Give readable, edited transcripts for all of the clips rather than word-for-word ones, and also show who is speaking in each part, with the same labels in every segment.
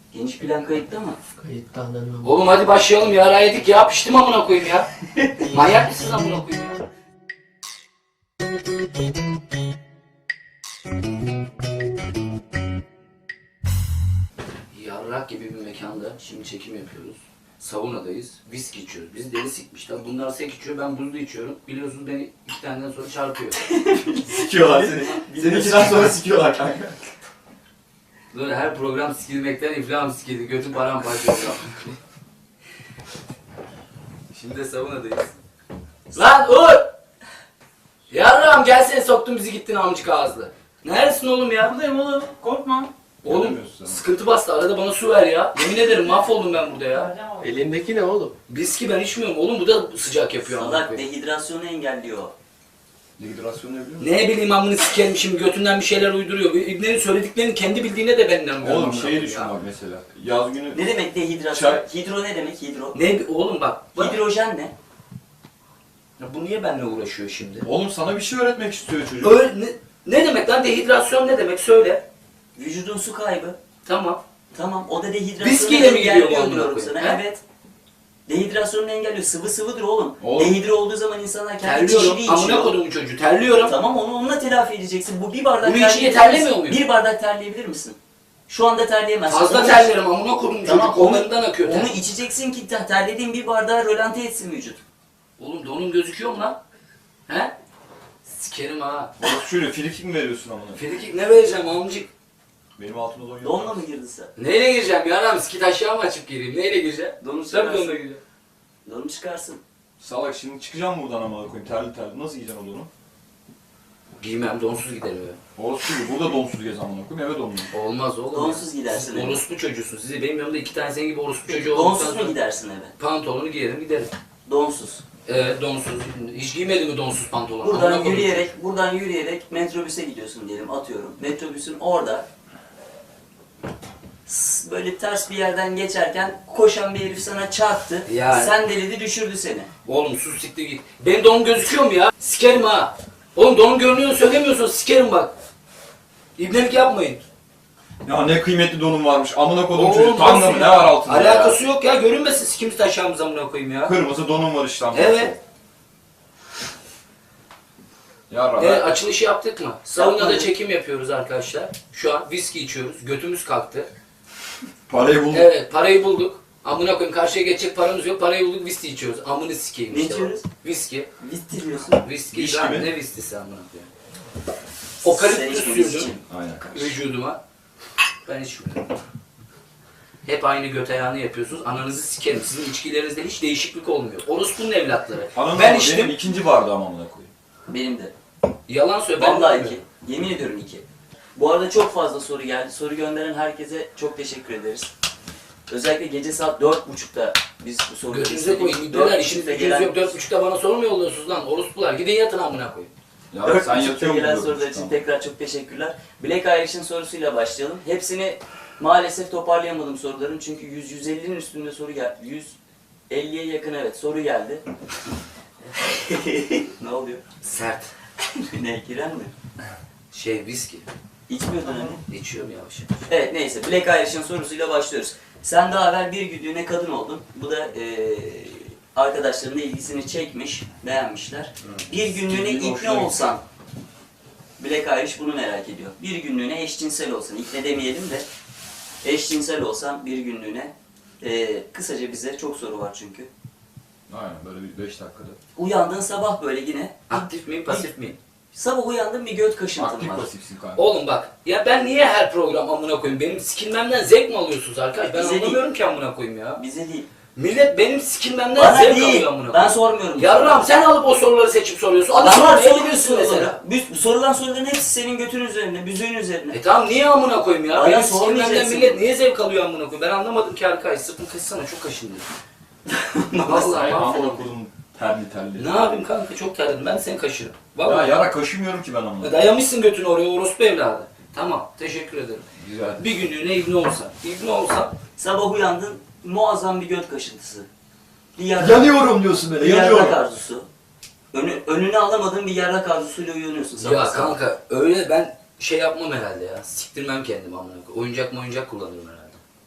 Speaker 1: Geniş plan kayıtta mı?
Speaker 2: Kayıtta ananı.
Speaker 3: Oğlum hadi başlayalım ya. Ara yedik ya. Piştim amına koyayım ya. Manyak mısınız amına koyayım ya? Yarrak gibi bir mekanda şimdi çekim yapıyoruz. Saunadayız. Viski içiyoruz. Biz deli sikmişler. Bunlar sek içiyor. Ben buzlu içiyorum. Biliyorsunuz beni 2 taneden sonra çarpıyor.
Speaker 4: Sikiyorlar seni. Seni 2'den sonra sikiyorlar kanka.
Speaker 3: Böyle her program sikilmekten iflahım sikildi. Götüm paramparça oldu. Şimdi de saunadayız. Lan Uğur! Yarrağım gelsene soktun bizi gittin amcık ağızlı. Neredesin oğlum ya?
Speaker 1: Buradayım oğlum. Korkma.
Speaker 3: Oğlum sıkıntı bastı. Arada bana su ver ya. Yemin ederim mahvoldum ben burada ya.
Speaker 2: Elindeki ne oğlum?
Speaker 3: Viski ben içmiyorum. Oğlum bu da sıcak yapıyor amına
Speaker 1: Salak
Speaker 3: koyayım.
Speaker 1: dehidrasyonu engelliyor.
Speaker 4: Dehidrasyonu ne biliyor musun?
Speaker 3: Ne bileyim amını sikerim şimdi götünden bir şeyler uyduruyor. İbnenin söylediklerini kendi bildiğine de ben inanmıyorum.
Speaker 4: Oğlum
Speaker 3: amına
Speaker 4: şeyi
Speaker 3: koyayım
Speaker 4: düşün
Speaker 3: ya.
Speaker 4: bak mesela. Yaz günü
Speaker 1: Ne demek dehidrasyon?
Speaker 4: Çay.
Speaker 1: Hidro ne demek hidro?
Speaker 3: Ne oğlum bak.
Speaker 1: Hidrojen ne?
Speaker 3: Ya bu niye benimle uğraşıyor şimdi?
Speaker 4: Oğlum sana bir şey öğretmek istiyor çocuk.
Speaker 3: Öyle, ne demek lan dehidrasyon ne demek söyle.
Speaker 1: Vücudun su kaybı.
Speaker 3: Tamam.
Speaker 1: Tamam o da dehidrasyonu
Speaker 3: Viskiyle mi gidiyor bu
Speaker 1: engelliyor
Speaker 3: amına
Speaker 1: diyorum
Speaker 3: koyayım,
Speaker 1: sana.
Speaker 3: he?
Speaker 1: Evet. Dehidrasyonu engelliyor. Sıvı sıvıdır oğlum.
Speaker 4: Oğlum.
Speaker 1: Dehidre olduğu zaman insanlar kendi kişiliği
Speaker 3: Terliyorum. Amına
Speaker 1: içiyor.
Speaker 3: kodumun çocuğu terliyorum.
Speaker 1: Tamam onu onunla telafi edeceksin. Bu bir bardak
Speaker 3: Bunu içince
Speaker 1: terleyebilir
Speaker 3: terlemiyor
Speaker 1: misin?
Speaker 3: muyum?
Speaker 1: Bir bardak terleyebilir misin? Şu anda terleyemezsin.
Speaker 3: Fazla
Speaker 1: Onu-
Speaker 3: terlerim amına kodumun
Speaker 1: Tamam,
Speaker 3: çocuk.
Speaker 1: onu-
Speaker 3: Onlarından akıyor ter.
Speaker 1: Onu içeceksin ki terlediğin bir bardağı rölanti etsin vücut.
Speaker 3: Oğlum donun gözüküyor mu lan? He? Sikerim ha.
Speaker 4: Oğlum şöyle frikik mi veriyorsun amına?
Speaker 3: Frikik ne vereceğim amcık?
Speaker 4: Benim altıma don yok.
Speaker 1: Donla mı girdin sen?
Speaker 3: Neyle gireceğim ya lan? Skit aşağı mı açıp gireyim? Neyle gireceğim?
Speaker 1: Donu
Speaker 3: Tabii
Speaker 1: çıkarsın.
Speaker 3: donla gireceğim.
Speaker 1: Donu çıkarsın.
Speaker 4: Salak şimdi çıkacağım buradan amına koyayım terli terli. Nasıl yiyeceksin o donu?
Speaker 3: Giymem donsuz giderim eve.
Speaker 4: Orospu gibi burada donsuz gez amına koyayım eve donlu.
Speaker 3: Olmaz oğlum.
Speaker 1: Donsuz gidersin
Speaker 3: Siz
Speaker 1: eve.
Speaker 3: orospu çocuğusun. Sizi benim yanımda 2 tane senin gibi orospu çocuğu
Speaker 1: Donsuz
Speaker 3: olduktan
Speaker 1: mu
Speaker 3: sonra
Speaker 1: gidersin eve?
Speaker 3: pantolonu giyerim giderim.
Speaker 1: Donsuz.
Speaker 3: Evet donsuz. Hiç giymedin mi donsuz pantolon? Amına
Speaker 1: Buradan
Speaker 3: koydum.
Speaker 1: yürüyerek metrobüse gidiyorsun diyelim atıyorum. Metrobüsün orada böyle ters bir yerden geçerken koşan bir herif sana çarptı.
Speaker 3: Yani.
Speaker 1: Sen delidi düşürdü seni.
Speaker 3: Oğlum sus siktir git. Benim donum gözüküyor mu ya? Sikerim ha. Oğlum donum görünüyor söylemiyorsun sikerim bak. İbnelik yapmayın.
Speaker 4: Ya ne kıymetli donum varmış amına koydum
Speaker 3: Oğlum,
Speaker 4: çocuk. Tanga
Speaker 3: nasıl
Speaker 4: mı ne
Speaker 3: ya?
Speaker 4: var altında
Speaker 3: Alakası
Speaker 4: ya?
Speaker 3: yok ya görünmesin sikimiz taşağımıza amına koyayım ya.
Speaker 4: Kırmızı donum var işte amına.
Speaker 3: Evet.
Speaker 4: Ya
Speaker 3: Evet açılışı yaptık mı? Saunada
Speaker 1: Yapmadık.
Speaker 3: çekim yapıyoruz arkadaşlar. Şu an viski içiyoruz. Götümüz kalktı.
Speaker 4: parayı buldum.
Speaker 3: Evet parayı bulduk. Amına koyayım karşıya geçecek paramız yok. Parayı bulduk viski içiyoruz. Amını sikeyim
Speaker 1: Ne
Speaker 3: işte.
Speaker 1: içiyoruz?
Speaker 3: Viski.
Speaker 1: Bittiriyorsun.
Speaker 3: Viski
Speaker 4: Viski
Speaker 3: lan
Speaker 4: mi?
Speaker 3: ne viskisi amına koyayım. Okaliptüs
Speaker 1: içmemiz
Speaker 3: sürdüm
Speaker 1: için.
Speaker 4: Aynen.
Speaker 3: vücuduma. Ben içmiyorum. Hep aynı göt ayağını yapıyorsunuz. Ananızı sikerim. Sizin içkilerinizde hiç değişiklik olmuyor. Orospunun evlatları.
Speaker 4: Anam
Speaker 3: Ben
Speaker 4: benim
Speaker 3: içtim.
Speaker 4: ikinci bardağım amına koyayım.
Speaker 1: Benim de.
Speaker 3: Yalan söyle. ben
Speaker 1: Vallahi
Speaker 3: bilmiyorum.
Speaker 1: 2. Yemin ediyorum 2. Bu arada çok fazla soru geldi. Soru gönderen herkese çok teşekkür ederiz. Özellikle gece saat 4.30'da biz bu soruları
Speaker 3: Götünüze koyayım. İddialar işiniz gücünüz yok. 4.30'da bana soru mu yolluyorsunuz lan? Orospular. Gidin yatın amına koyayım.
Speaker 4: Ya
Speaker 1: 4.30'da
Speaker 4: sen yatıyor
Speaker 1: gelen
Speaker 4: musun?
Speaker 1: sorular için tekrar çok teşekkürler. Black Irish'in sorusuyla başlayalım. Hepsini maalesef toparlayamadım soruların çünkü 100-150'nin üstünde soru geldi. 150'ye yakın evet soru geldi. Ne oluyor?
Speaker 3: Sert.
Speaker 1: Ne giren mi?
Speaker 3: Viski.
Speaker 1: İçmiyordun hani.
Speaker 3: İçiyorum yavaş yavaş.
Speaker 1: Evet neyse Black Irish'in sorusuyla başlıyoruz. Sen daha evvel bir güdüğüne kadın oldun. Bu da arkadaşların da ilgisini çekmiş, beğenmişler. Bir günlüğüne
Speaker 4: Stilin
Speaker 1: ikne
Speaker 4: hoşuna
Speaker 1: olsan, Black Irish bunu merak ediyor. Bir günlüğüne eşcinsel olsan, ikne demeyelim de eşcinsel olsan bir günlüğüne kısaca bize çok soru var çünkü.
Speaker 4: Aynen böyle bir 5 dakikada.
Speaker 1: Uyandığın sabah böyle yine,
Speaker 3: Aktif miyim pasif miyim?
Speaker 1: sabah uyandın bir göt kaşıntın
Speaker 4: Aktif
Speaker 1: var.
Speaker 4: pasifsin kanka.
Speaker 3: Oğlum bak. Ya ben niye her program amına koyayım? Benim sikilmemden zevk mi alıyorsunuz arkadaş? Ben
Speaker 1: Bize
Speaker 3: anlamıyorum ki amına koyayım ya.
Speaker 1: Bize değil.
Speaker 3: Millet benim sikilmemden
Speaker 1: Bana
Speaker 3: zevk
Speaker 1: değil.
Speaker 3: alıyor amına
Speaker 1: Ben
Speaker 3: koyayım.
Speaker 1: sormuyorum.
Speaker 3: Yarram sen alıp o soruları seçip soruyorsun. Hadi
Speaker 1: Adamlar
Speaker 3: soruya
Speaker 1: soruyor
Speaker 3: gidiyorsun mesela.
Speaker 1: soruları. Sorulan soruların hepsi senin götün üzerine, büzüğün üzerine.
Speaker 3: Tamam niye amına koyayım ya?
Speaker 1: Bana
Speaker 3: Benim sikilmemden
Speaker 1: sormayacaksın.
Speaker 3: millet niye zevk alıyor amına koyayım? Ben anlamadım ki arkadaş. Sırtım kıssana çok kaşındı. Vallahi
Speaker 4: Amına
Speaker 3: mahvoldum.
Speaker 4: koydum terli terli.
Speaker 3: Ne yapayım kanka çok terledim. Ben de seni kaşırım.
Speaker 4: Ya
Speaker 3: Vallahi.
Speaker 4: yara kaşımıyorum ki ben amına.
Speaker 3: Dayamışsın götünü oraya orospu evladı. Tamam teşekkür ederim.
Speaker 4: Güzel.
Speaker 3: Bir günlüğüne ibne olsan. İbne olsan.
Speaker 1: Sabah uyandın, muazzam bir göt kaşıntısı. Bir yarrak,
Speaker 4: Yanıyorum diyorsun böyle
Speaker 1: bir yarrak
Speaker 4: yanıyorum.
Speaker 1: arzusu. Önüne alamadığın bir yarrak arzusuyla uyanıyorsun sabah
Speaker 3: Ya
Speaker 1: sabah.
Speaker 3: kanka öyle ben şey yapmam herhalde ya. Siktirmem kendimi amına koyayım. Oyuncak kullanırım herhalde.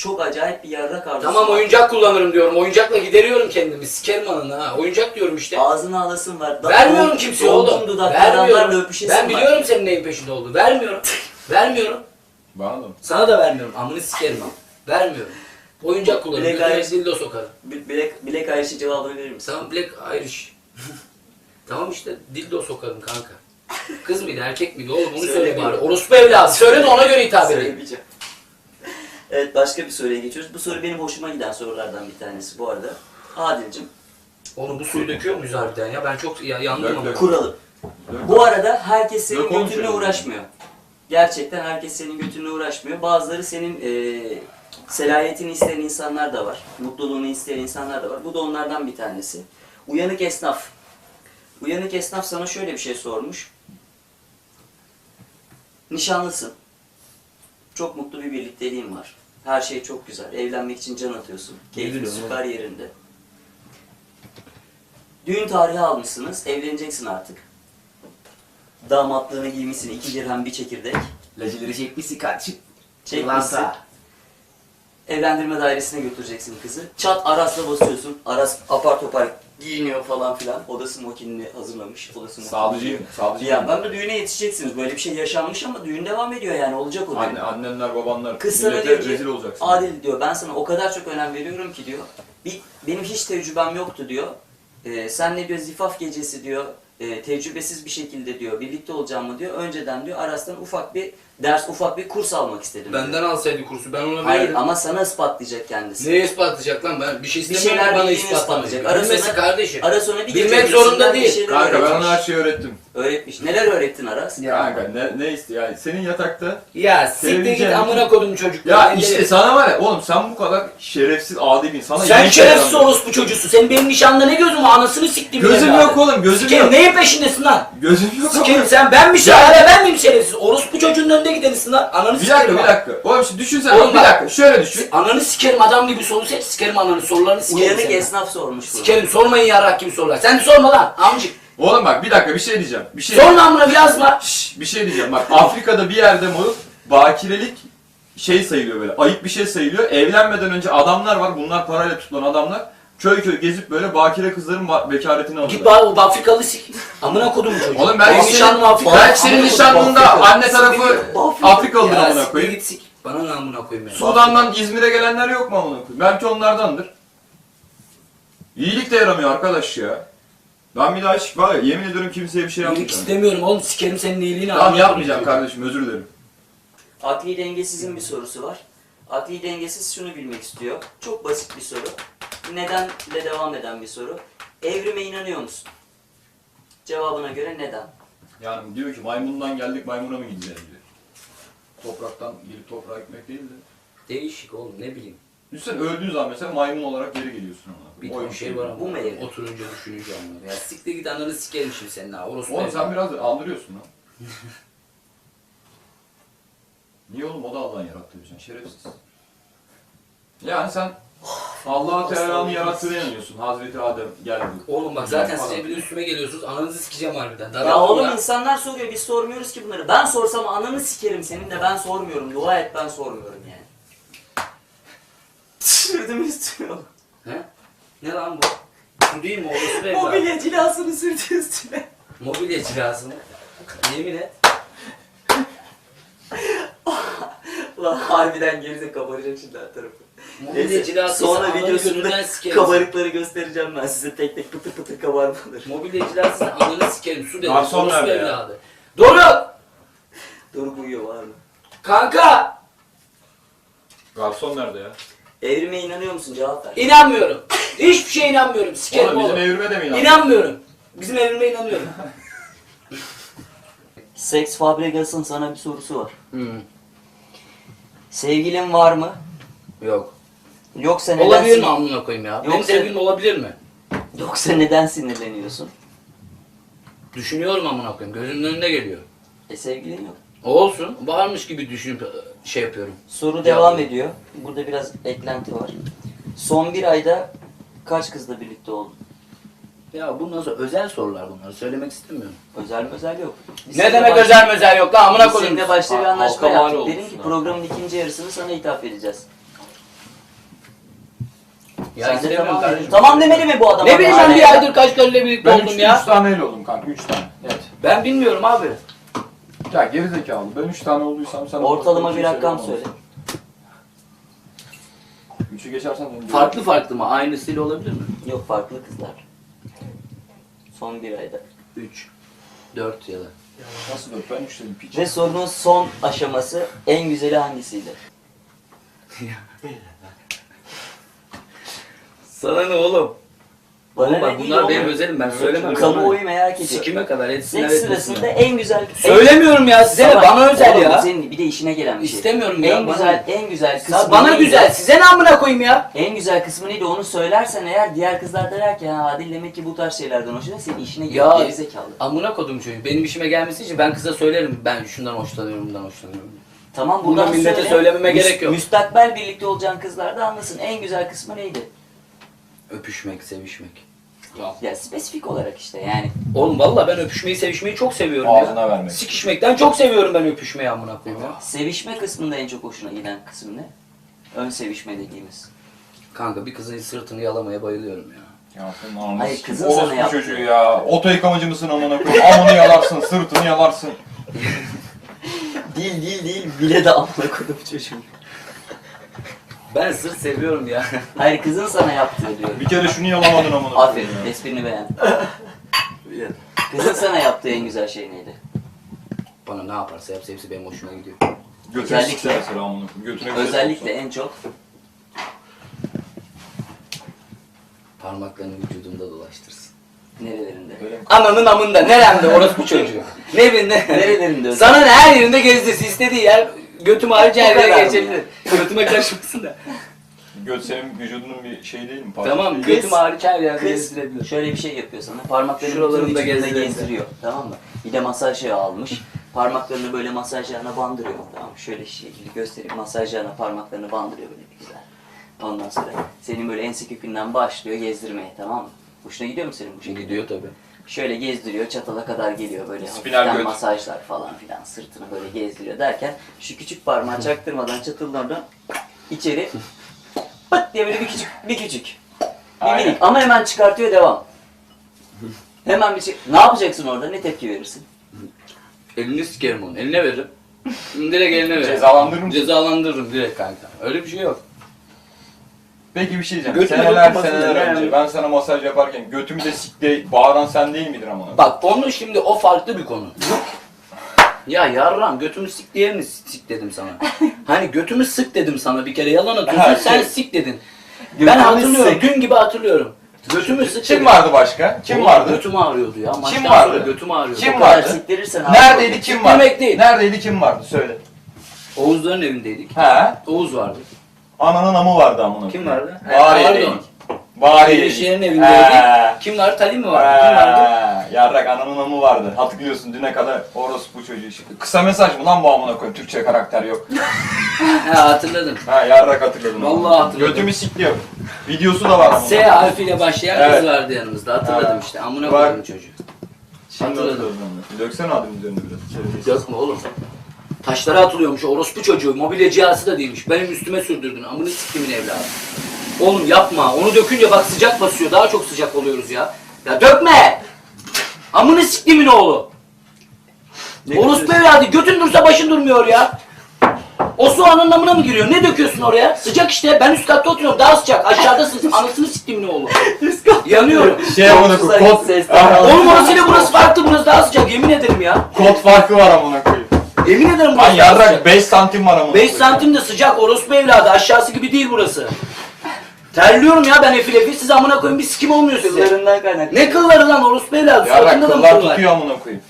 Speaker 1: çok acayip bir yarrak arzusu
Speaker 3: Tamam
Speaker 1: var.
Speaker 3: oyuncak kullanırım diyorum. Oyuncakla gideriyorum kendimi. Sikerim ananı ha. Oyuncak diyorum işte.
Speaker 1: Ağzına alasın var.
Speaker 3: Vermiyorum kimseye oğlum.
Speaker 1: Dolgun dudaklı adamlarla
Speaker 3: Vermiyorum.
Speaker 1: öpüşesin
Speaker 3: Ben
Speaker 1: var.
Speaker 3: biliyorum senin neyin peşinde olduğunu. Vermiyorum. Vermiyorum.
Speaker 4: Bana da mı?
Speaker 3: Sana da vermiyorum. Amını sikerim ama. Vermiyorum. Oyuncak kullanırım.
Speaker 1: Black
Speaker 3: Götüme
Speaker 1: Irish-
Speaker 3: dildo sokarım.
Speaker 1: Black Irish'in cevabını verir misin?
Speaker 3: Tamam Black Irish. Tamam işte dildo sokarım kanka. Kız mıydı erkek miydi oğlum onu söyle
Speaker 1: Söylemiyorum.
Speaker 3: bari. Orospu evladı. Söyle de ona göre hitap edeyim.
Speaker 1: Söylemeyeceğim. Evet, başka bir soruya geçiyoruz. Bu soru benim hoşuma giden sorulardan bir tanesi bu arada. Adil'cim,
Speaker 3: Oğlum bu suyu döküyor muyuz harbiden ya? Ben çok yandım
Speaker 4: Dök,
Speaker 3: ama.
Speaker 4: dök.
Speaker 1: kuralım. Bu arada herkes senin
Speaker 4: Yok, oğlum
Speaker 1: götünle
Speaker 4: şöyle.
Speaker 1: uğraşmıyor. Gerçekten herkes senin götünle uğraşmıyor. Bazıları senin selayetini isteyen insanlar da var. Mutluluğunu isteyen insanlar da var. Bu da onlardan bir tanesi. Uyanık esnaf. Uyanık esnaf sana şöyle bir şey sormuş. Nişanlısın. Çok mutlu bir birlikteliğin var. Her şey çok güzel. Evlenmek için can atıyorsun. Keyfin
Speaker 3: Biliyorum,
Speaker 1: süper yerinde. Düğün tarihi almışsınız. Evleneceksin artık. Damatlığını giymişsin. 2 dirhem bir çekirdek.
Speaker 4: Lacıları çekmişsin kardeşim.
Speaker 1: Çekmişsin. Evlendirme dairesine götüreceksin kızı. Çat Aras'la basıyorsun. Aras apar topar giyiniyor falan filan. Odası mokinini hazırlamış. Odası
Speaker 4: Sağlıcıyım. Sağlıcıyım.
Speaker 1: Ya ben de düğüne yetişeceksiniz. Böyle bir şey yaşanmış ama düğün devam ediyor yani. Olacak o düğün.
Speaker 4: Annenler, babanlar.
Speaker 1: Kız sana
Speaker 4: millete
Speaker 1: diyor ki,
Speaker 4: rezil olacaksın.
Speaker 1: Adil diyor, ben sana o kadar çok önem veriyorum ki diyor. Benim hiç tecrübem yoktu diyor. Sen ne diyor, zifaf gecesi diyor, tecrübesiz bir şekilde diyor, birlikte olacağımı diyor. Önceden diyor, Aras'tan ufak bir ders, ufak bir kurs almak istedim diyor.
Speaker 3: Benden alsaydı kursu ben ona
Speaker 1: Hayır
Speaker 3: verirdim.
Speaker 1: ama sana ispatlayacak kendisi.
Speaker 3: Neye ispatlayacak lan ben? Bir şey
Speaker 1: Bir
Speaker 3: istemiyorum
Speaker 1: şeyler
Speaker 3: bana
Speaker 1: bildiğini
Speaker 3: ispatlamayı.
Speaker 1: ispatlayacak.
Speaker 3: Bilmesi kardeşim.
Speaker 1: Aras ona bir
Speaker 3: Bilmek
Speaker 1: gece
Speaker 3: zorunda
Speaker 1: öncesinden bir
Speaker 3: değil.
Speaker 1: şeyler
Speaker 4: Kanka ben
Speaker 1: öğretmiş.
Speaker 4: ona her şeyi öğrettim.
Speaker 1: Öğretmiş. Neler öğrettin Aras?
Speaker 4: Kanka ne istiyor yani senin yatakta.
Speaker 3: Ya siktir git
Speaker 4: Televizyon-
Speaker 3: amına kodum çocuk.
Speaker 4: Ya işte sana var ya oğlum sen bu kadar şerefsiz adi bir insan. Sana
Speaker 3: Sen
Speaker 4: iyi
Speaker 3: şerefsiz
Speaker 4: şeyler
Speaker 3: orospu çocuğusun. Senin benim nişanlı ne gözüm var? Anasını siktim.
Speaker 4: Gözüm yok oğlum gözüm
Speaker 3: Sikerim
Speaker 4: yok.
Speaker 3: neyin peşindesin lan?
Speaker 4: Gözüm yok
Speaker 3: Sikerim
Speaker 4: oğlum.
Speaker 3: sen ben mi hala ben miyim şerefsiz? Orospu çocuğun önünde gidenisin lan. Ananı
Speaker 4: Bir
Speaker 3: sikerim.
Speaker 4: dakika bir
Speaker 3: ha.
Speaker 4: dakika. Oğlum şimdi düşünsene
Speaker 3: Oğlum
Speaker 4: bir
Speaker 3: bak-
Speaker 4: dakika şöyle düşün.
Speaker 3: Ananı sikerim adam gibi soru seç. Sikerim ananı sorularını sikerim.
Speaker 1: Uyanık
Speaker 3: senin.
Speaker 1: esnaf sormuş bunu.
Speaker 3: Sikerim sormayın yarrak gibi sorular. Sen de sorma lan amcık.
Speaker 4: Oğlum bak bir dakika bir şey diyeceğim. Bir şey
Speaker 3: Sorma amına bir yazma.
Speaker 4: Şşş, bir şey diyeceğim bak Afrika'da bir yerde moruk bakirelik şey sayılıyor böyle ayıp bir şey sayılıyor. Evlenmeden önce adamlar var bunlar parayla tutulan adamlar. Köy köy gezip böyle bakire kızların bekaretini
Speaker 3: Git
Speaker 4: alıyorlar.
Speaker 3: bak o Afrikalı sik. Amına kodum çocuğu.
Speaker 4: Oğlum
Speaker 3: Benim nişanlım Afrikalı.
Speaker 4: belki senin
Speaker 3: Amına kodum,
Speaker 4: nişanlığında
Speaker 3: Afrikalı.
Speaker 4: anne tarafı Afrikalıdır
Speaker 3: Ya
Speaker 4: amına
Speaker 3: siktir
Speaker 4: koyayım.
Speaker 3: git sik. Bana ne amına koyayım ya.
Speaker 4: Sudan'dan İzmir'e gelenler yok mu amına koyayım? Belki onlardandır. İyilik de yaramıyor arkadaş ya. Ben bir daha hiç var ya yemin ediyorum kimseye bir şey
Speaker 3: İyilik
Speaker 4: yapmayacağım.
Speaker 3: istemiyorum oğlum sikerim senin iyiliğini.
Speaker 4: Tamam
Speaker 3: amına
Speaker 4: yapmayacağım
Speaker 3: kodum
Speaker 4: kardeşim özür dilerim.
Speaker 1: Akli dengesizin bir sorusu var. Akli dengesiz şunu bilmek istiyor. Çok basit bir soru. Nedenle devam eden bir soru. Evrime inanıyor musun? Cevabına göre neden?
Speaker 4: Yani diyor ki maymundan geldik maymuna mı gideceğiz diyor. Topraktan gelip toprağa gitmek değil de.
Speaker 3: çocuğu. Değişik oğlum ne bileyim.
Speaker 4: Düşünsene öldüğün zaman mesela maymun olarak geri geliyorsun ona.
Speaker 3: Bir
Speaker 4: O
Speaker 3: ton
Speaker 4: yok.
Speaker 3: şey var ama
Speaker 1: Bu mu evrim?
Speaker 3: oturunca düşününce anlar. Ya siktir git ananı sikerim şimdi senin ha. Orospu
Speaker 4: Oğlum
Speaker 3: evladı.
Speaker 4: sen biraz da andırıyorsun lan. Niye oğlum o da Allah'ın yarattığı bir şey şerefsiz. Yani sen Allah-u Teala'nın yarattığına inanıyorsun. Hazreti Adem geldi.
Speaker 3: Oğlum bak zaten
Speaker 4: Falan.
Speaker 3: siz hepiniz üstüme geliyorsunuz. Ananızı sikeceğim harbiden.
Speaker 1: Ya
Speaker 3: Daraldım
Speaker 1: oğlum
Speaker 3: ya.
Speaker 1: insanlar soruyor, biz sormuyoruz ki bunları. Ben sorsam ananı sikerim senin de ben sormuyorum. Dua et ben sormuyorum yani. Sürdüm üstüne.
Speaker 3: He? Ne lan bu? Bu değil mi orospu evladı?
Speaker 1: Mobilya cilasını sürdü üstüne.
Speaker 3: Mobilya cilası mı? Yemin et.
Speaker 1: Ulan harbiden geride kabaracak şimdi her tarafı.
Speaker 3: Mobilya
Speaker 1: Neyse,
Speaker 3: cilası
Speaker 1: sonra
Speaker 3: ananı
Speaker 1: videosunda
Speaker 3: gözünden sikerim.
Speaker 1: kabarıkları göstereceğim ben size tek tek pıtır pıtır kabarmaları.
Speaker 3: Mobilya cilası ananı sikerim. Su dedim.
Speaker 4: Garson
Speaker 3: Orospu
Speaker 4: nerede ya?
Speaker 3: evladı. Doruk!
Speaker 1: Doruk uyuyor var mı?
Speaker 3: Kanka!
Speaker 4: Garson nerede ya?
Speaker 1: Evrime inanıyor musun? Cevap ver.
Speaker 3: İnanmıyorum. Hiçbir şeye inanmıyorum. Sikerim
Speaker 4: Oğlum bizim
Speaker 3: oğlum.
Speaker 4: evrime de mi inandın?
Speaker 3: İnanmıyorum. Bizim evrime inanıyorum.
Speaker 1: Sex Fabregas'ın sana bir sorusu var.
Speaker 3: Hmm.
Speaker 1: Sevgilin var mı?
Speaker 3: Yok.
Speaker 1: Yoksa neden
Speaker 3: Olabilir mi amına koyayım ya? Benim
Speaker 1: Yoksa-
Speaker 3: sevgilim olabilir mi?
Speaker 1: Yoksa neden sinirleniyorsun?
Speaker 3: Düşünüyorum amına koyayım. Gözümün önünde geliyor.
Speaker 1: Sevgilin yok.
Speaker 3: Olsun. Varmış gibi düşünüp şey yapıyorum.
Speaker 1: Soru devam ediyor. Burada biraz eklenti var. Son bir ayda kaç kızla birlikte oldun?
Speaker 3: Ya bu nasıl özel sorular bunlar. Söylemek istemiyorum.
Speaker 1: Özel yok. Biz
Speaker 3: Ne
Speaker 1: seninle
Speaker 3: demek
Speaker 1: baş-
Speaker 3: özel mözel yok lan amına
Speaker 1: Biz
Speaker 3: koyayım.
Speaker 1: seninle başta bir anlaşma
Speaker 3: Halka mal
Speaker 1: yaptık.
Speaker 3: olmuş
Speaker 1: Dedim ki
Speaker 3: lan.
Speaker 1: programın ikinci yarısını sana ithaf edeceğiz.
Speaker 3: Ya
Speaker 1: Sen de
Speaker 3: istemiyorum
Speaker 1: tamam
Speaker 3: kardeşim.
Speaker 1: dedin. Tamam demeli mi bu adam?
Speaker 3: Ne bileyim ben
Speaker 1: Hala
Speaker 3: bir
Speaker 1: ya.
Speaker 3: aydır kaç karıyla birlikte
Speaker 4: Ben
Speaker 3: oldum
Speaker 4: 3
Speaker 3: ya.
Speaker 4: taneyle oldum kanka 3 tane. Evet.
Speaker 3: Ben bilmiyorum abi.
Speaker 4: Ya gerizekalı ben 3 tane olduysam sen...
Speaker 1: Ortalama bir rakam söyle.
Speaker 4: 3'ü geçersen...
Speaker 3: Farklı mı? Aynısıyla olabilir mi?
Speaker 1: Yok farklı kızlar. Son bir ayda.
Speaker 3: 3, 4 ya da.
Speaker 4: Nasıl 4? Ben 3 dedim piç.
Speaker 1: Ve sorunun son aşaması en güzeli hangisiydi?
Speaker 3: Sana ne oğlum? Oğlum bak
Speaker 1: ne
Speaker 3: bunlar
Speaker 1: değil
Speaker 3: benim
Speaker 1: oğlum?
Speaker 3: özelim ben söylemem.
Speaker 1: Kamuoyu merak ediyor.
Speaker 3: Sikime kadar etsinler
Speaker 1: Seks
Speaker 3: etmesinler.
Speaker 1: sırasında en güzel...
Speaker 3: Söylemiyorum ya size de
Speaker 1: Salak.
Speaker 3: bana özel
Speaker 1: Oğlum,
Speaker 3: ya.
Speaker 1: Senin bir de işine gelen bir şey.
Speaker 3: İstemiyorum ya,
Speaker 1: En
Speaker 3: bana-
Speaker 1: güzel, en güzel kısmı
Speaker 3: Bana
Speaker 1: neydi?
Speaker 3: güzel size ne amına koyayım ya?
Speaker 1: En güzel kısmı neydi onu söylersen eğer diğer kızlar der ki ha Adil demek ki bu tarz şeylerden hoşlanıyor senin işine
Speaker 3: Ya
Speaker 1: geliyor gerizekalı.
Speaker 3: amına kodum çocuğu. Benim işime gelmesi için ben kıza söylerim. Ben şundan hoşlanıyorum, bundan hoşlanıyorum.
Speaker 1: Tamam
Speaker 3: Bunu
Speaker 1: buradan
Speaker 3: millete
Speaker 1: söyle.
Speaker 3: söylememe gerek yok.
Speaker 1: Müstakbel birlikte olacağın kızlar da anlasın en güzel kısmı neydi?
Speaker 3: Öpüşmek, sevişmek.
Speaker 1: Ya spesifik olarak işte yani.
Speaker 3: Oğlum valla ben öpüşmeyi, sevişmeyi çok seviyorum
Speaker 4: Ağzına
Speaker 3: ya.
Speaker 4: vermek.
Speaker 3: Sikişmekten çok seviyorum ben öpüşmeyi amına koyayım ya.
Speaker 1: Sevişme kısmında en çok hoşuna giden kısım ne? Ön sevişme dediğimiz.
Speaker 3: Kanka bir kızın sırtını yalamaya bayılıyorum ya.
Speaker 4: Ya senin ananı
Speaker 1: Hayır,
Speaker 4: sikeyim.
Speaker 1: kızın sana
Speaker 4: Orospu
Speaker 1: yaptığı.
Speaker 4: çocuğu ya. Oto yıkamacı mısın amına koyayım? Amını yalarsın, sırtını yalarsın.
Speaker 1: Değil bile de amına koydum çocuğum.
Speaker 3: Ben sırt seviyorum ya.
Speaker 1: Hayır kızın sana yaptığı diyor.
Speaker 4: Bir kere şunu yalamadın amına
Speaker 1: Aferin
Speaker 4: koyayım ya.
Speaker 1: esprini beğendim. Kızın sana yaptığı en güzel şey neydi?
Speaker 3: Bana ne yaparsa yapsa hepsi benim hoşuma gidiyor.
Speaker 4: Götüne
Speaker 1: Özellikle-
Speaker 4: sikse mesela amına koyayım. Götüne bir şey
Speaker 1: Özellikle
Speaker 4: soksa.
Speaker 1: en çok
Speaker 3: Parmaklarını vücudumda dolaştırsın.
Speaker 1: nerelerinde?
Speaker 4: Öyle mi?
Speaker 3: Ananın amında, neremde orospu çocuğu. Ne bileyim ne?
Speaker 1: Nerelerinde özellikle?
Speaker 3: Sana ne her yerinde gezdirsin, istediği yer götüm harici her
Speaker 1: O kadar
Speaker 3: yere
Speaker 1: mı
Speaker 3: geçebilir. Götüme karışmasın da.
Speaker 4: Göt senin vücudunun bir şey değil mi?
Speaker 3: Tamam,
Speaker 1: Kız-
Speaker 3: götüm hariç her yerde
Speaker 1: Kız
Speaker 3: gezdirebilir.
Speaker 1: şöyle bir şey yapıyor sana. Parmaklarını
Speaker 3: Şuralarını
Speaker 1: bütün
Speaker 3: da
Speaker 1: vücudunda
Speaker 3: gezdirebilir.
Speaker 1: gezdiriyor. Tamam mı? Bir de masaj yağı almış. Parmaklarını böyle masaj yağına bandırıyor. Tamam mı? Şöyle şekilde göstereyim. Masaj yağına parmaklarını bandırıyor böyle bir güzel. Ondan sonra senin böyle ense kökünden başlıyor gezdirmeye, tamam mı? Hoşuna gidiyor mu senin bu şekilde?
Speaker 3: Gidiyor tabi.
Speaker 1: Şöyle gezdiriyor, çatala kadar geliyor böyle
Speaker 4: Spinal
Speaker 1: hafiften
Speaker 4: göt.
Speaker 1: masajlar falan filan, sırtını böyle gezdiriyor derken şu küçük parmağı çaktırmadan çatıllardan içeri pıt diye böyle bir küçük. Bir
Speaker 4: Aynen.
Speaker 1: minik ama hemen çıkartıyor, devam. Hemen ne yapacaksın orada, ne tepki verirsin?
Speaker 3: Elini sikerim onu, eline veririm. Direkt eline veririm.
Speaker 4: Cezalandırır mısın?
Speaker 3: Cezalandırırım direkt kanka. Öyle bir şey yok.
Speaker 4: Peki bir şey diyeceğim.
Speaker 3: Götüme
Speaker 4: Seneler
Speaker 3: dokunmasın
Speaker 4: seneler
Speaker 3: da
Speaker 4: önce
Speaker 3: yani.
Speaker 4: ben sana masaj yaparken götümü de sikte bağıran sen değil midir amına?
Speaker 3: Bak onu şimdi o farklı bir konu. Ya yarram götümü sik diye mi sik dedim sana? Hani götümü sık dedim sana bir kere yalan atıyorsun
Speaker 4: Ha,
Speaker 3: sen
Speaker 4: şey-
Speaker 3: sik dedin.
Speaker 1: Götümü
Speaker 3: Ben hatırlıyorum
Speaker 1: sık.
Speaker 3: dün gibi hatırlıyorum. Götümü sık
Speaker 4: Kim
Speaker 3: dedim.
Speaker 4: vardı başka? Kim
Speaker 3: Oğlum,
Speaker 4: vardı?
Speaker 3: Götüm ağrıyordu ya. Maçtan
Speaker 4: vardı?
Speaker 3: sonra götüm ağrıyordu.
Speaker 4: Kim
Speaker 1: O kadar
Speaker 4: vardı?
Speaker 1: siktirirsen abi.
Speaker 4: Neredeydi kim vardı?
Speaker 3: Demek değil.
Speaker 4: Neredeydi kim vardı? Söyle.
Speaker 3: Oğuzların evindeydik.
Speaker 4: He?
Speaker 3: Oğuz vardı.
Speaker 4: Ananın amı vardı amına.
Speaker 3: Kim
Speaker 4: koyayım.
Speaker 3: vardı?
Speaker 4: Bariye'deydik.
Speaker 3: Pardon.
Speaker 4: Bariye'deydik.
Speaker 3: Eşeğin evindeydik. Kim vardı? Talim mi vardı? Kim vardı?
Speaker 4: Yarrak ananın amı vardı. Hatırlıyorsun düne kadar orospu çocuğu şimdi. Kısa mesaj mı lan bu amına koyayım? Türkçe karakter yok.
Speaker 3: Ha hatırladım.
Speaker 4: Ha yarrak hatırladım.
Speaker 3: Vallahi hatırladım.
Speaker 4: Götümü sikliyor. Videosu da var amına.
Speaker 3: S harfiyle başlayan
Speaker 4: Evet.
Speaker 3: kız vardı yanımızda. Hatırladım
Speaker 4: Evet.
Speaker 3: işte. Amına
Speaker 4: Bak.
Speaker 3: koydum çocuğu.
Speaker 4: Şimdi
Speaker 3: Hatırladım.
Speaker 4: hatırladım. Döksene adımın üzerine biraz.
Speaker 3: Dökme oğlum. Taşlara atılıyormuş orospu çocuğu. Mobilyacısı da değilmiş. Benim üstüme sürdürdün. Amını siktimin evladı. Oğlum yapma. Onu dökünce bak sıcak basıyor. Daha çok sıcak oluyoruz ya. Ya dökme! Amını siktimin oğlu. Orospu evladı. Götün dursa başın durmuyor ya. O su ananın amına mı giriyor? Ne döküyorsun oraya? Sıcak işte. Ben üst katta oturuyorum. Daha sıcak. Aşağıdasın. Anasını siktimin oğlu. Yanıyorum.
Speaker 4: Şey amına
Speaker 1: Güzel
Speaker 4: koyayım. Kod,
Speaker 1: sesler.
Speaker 3: Oğlum orasıyla burası farklı. Burası daha sıcak. Yemin ederim ya.
Speaker 4: kod farkı var amına koyayım.
Speaker 3: Yemin ederim
Speaker 4: Lan
Speaker 3: burası daha
Speaker 4: yarrak
Speaker 3: sıcak.
Speaker 4: 5 santim var amına
Speaker 3: 5
Speaker 4: koyayım.
Speaker 3: santim de sıcak orospu evladı. Aşağısı gibi değil burası. Terliyorum ya ben efil efil. Siz amına koyun bir sikim olmuyor size.
Speaker 1: Kızlarından kaynaklı.
Speaker 3: Ne kılları lan orospu evladı.
Speaker 4: Yarrak
Speaker 3: Suratında da mı
Speaker 4: kıllar
Speaker 3: kıl var?
Speaker 4: tutuyor amına koyayım.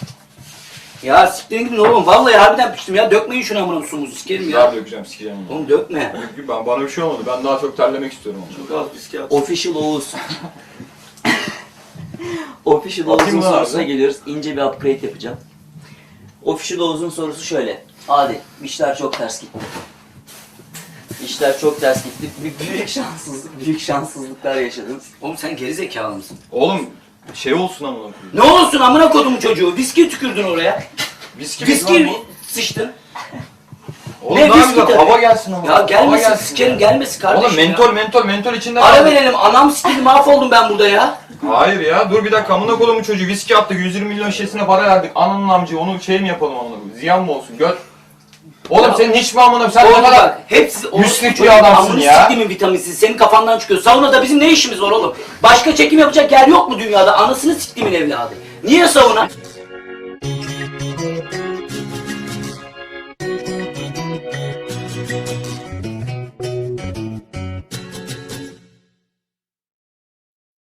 Speaker 3: Ya siktirin gidin oğlum. Vallahi harbiden piştim ya. Dökmeyin şunu amına sumuzu. Sikerim ya.
Speaker 4: Yar dökeceğim sikeceğim onu.
Speaker 3: Oğlum dökme.
Speaker 4: Çünkü bana bir şey olmadı. Ben daha çok terlemek istiyorum onu.
Speaker 1: Official Oğuz. Official
Speaker 4: Atayım
Speaker 1: Oğuz'un
Speaker 4: mı
Speaker 1: sorusuna
Speaker 4: abi?
Speaker 1: geliyoruz. İnce bir upgrade yapacağım. Official Oğuz'un sorusu şöyle. Adil, işler çok ters gitti. İşler çok ters gitti. Büyük şanssızlıklar yaşadınız.
Speaker 3: Oğlum sen gerizekalı mısın?
Speaker 4: Oğlum şey olsun amına koyayım.
Speaker 3: Ne olsun amına kodumun çocuğu. Viski tükürdün oraya.
Speaker 4: Viski
Speaker 3: Viski sıçtın.
Speaker 4: Oğlum
Speaker 3: Ne
Speaker 4: ne
Speaker 3: viski
Speaker 4: yapacak?
Speaker 3: tabii.
Speaker 4: Hava gelsin ama.
Speaker 3: Ya
Speaker 4: Hava
Speaker 3: gelmesin,
Speaker 4: gelsin
Speaker 3: sikerim
Speaker 4: ya.
Speaker 3: gelmesin kardeşim
Speaker 4: Oğlum
Speaker 3: ya.
Speaker 4: mentol içinde
Speaker 3: Ara
Speaker 4: kaldı.
Speaker 3: verelim, anam sikildi, mahvoldum ben burada ya.
Speaker 4: Hayır ya dur bir dakika amına koyduğum çocuğu viski attık 120 milyon şişesine para verdik. Ananın amcı onu şey mi yapalım amına koyayım? Ziyan mı olsun göt? Oğlum
Speaker 3: Ya,
Speaker 4: senin hiç mi amına sen
Speaker 3: Oğlum
Speaker 4: ne kadar
Speaker 3: bak, hepsi
Speaker 4: müsrif
Speaker 3: çocuğun
Speaker 4: bir adamsın
Speaker 3: amını
Speaker 4: ya.
Speaker 3: siktiğimin vitaminsiz, senin kafandan çıkıyor. Saunada bizim ne işimiz var oğlum? Başka çekim yapacak yer yok mu dünyada? Anasını siktiğimin evladı. Niye sauna?